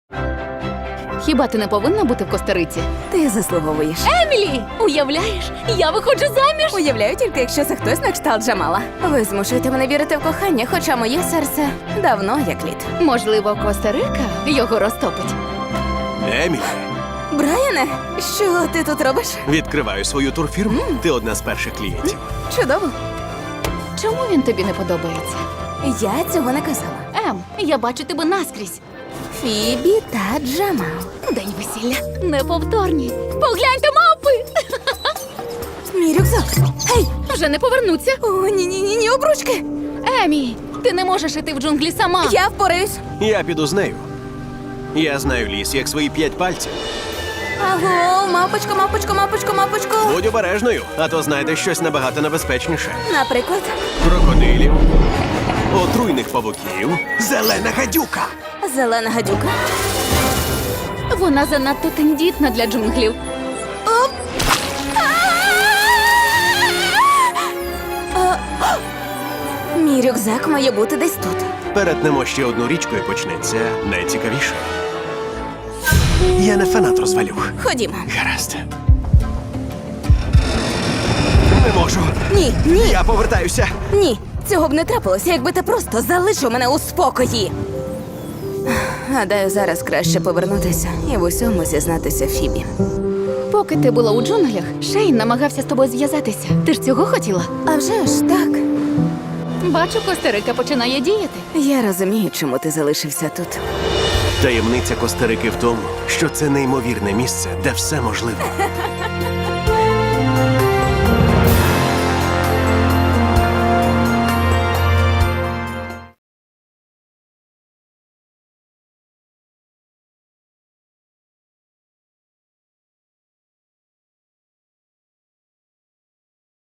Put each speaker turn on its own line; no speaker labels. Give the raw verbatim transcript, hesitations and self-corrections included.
Хіба ти не повинна бути в Коста-Риці?
Ти заслуговуєш.
Емілі! Уявляєш, я виходжу заміж!
Уявляю тільки, якщо це хтось на кшталт Джамала. Ви змушуєте мене вірити в кохання, хоча моє серце давно як лід.
Можливо, Коста-Рика його розтопить.
Емілі,
Брайане, що ти тут робиш?
відкриваю свою турфірму. Ти одна з перших клієнтів.
Чудово.
Чому він тобі не подобається?
Я цього не казала.
Ем, я бачу тебе наскрізь.
Фібі та Джамал.
День весілля. Неповторні. Погляньте, мавпи!
Мій рюкзак. Гей!
Вже не повернуться.
О, ні-ні-ні, обручки.
Емі, ти не можеш іти в джунглі сама.
Я впораюсь.
Я піду з нею. Я знаю ліс, як свої п'ять пальців.
Аго, мапочко, мапочко, мапочко, мапочко.
Будь обережною, а то знайдеш щось набагато небезпечніше.
Наприклад,
Крокодилів, отруйних павуків, зелена гадюка.
зелена гадюка.
Вона занадто тендітна для джунглів.
Оп! А! Мій рюкзак має бути десь тут.
Перетнемо ще одну річку і почнеться найцікавіше. Я не фанат розвалюх.
Ходімо.
Гаразд. Не можу.
Ні, ні,
Я повертаюся.
ні. Цього б не трапилося, якби ти просто залишив мене у спокої. Гадаю, зараз краще повернутися і в усьому зізнатися Фібі.
Поки ти була у джунглях, Шейн намагався з тобою зв'язатися. Ти ж цього хотіла?
А вже ж так.
Бачу, Коста-Рика починає діяти.
Я розумію, чому ти залишився тут.
Таємниця Коста-Рики в тому, що це неймовірне місце, де все можливо.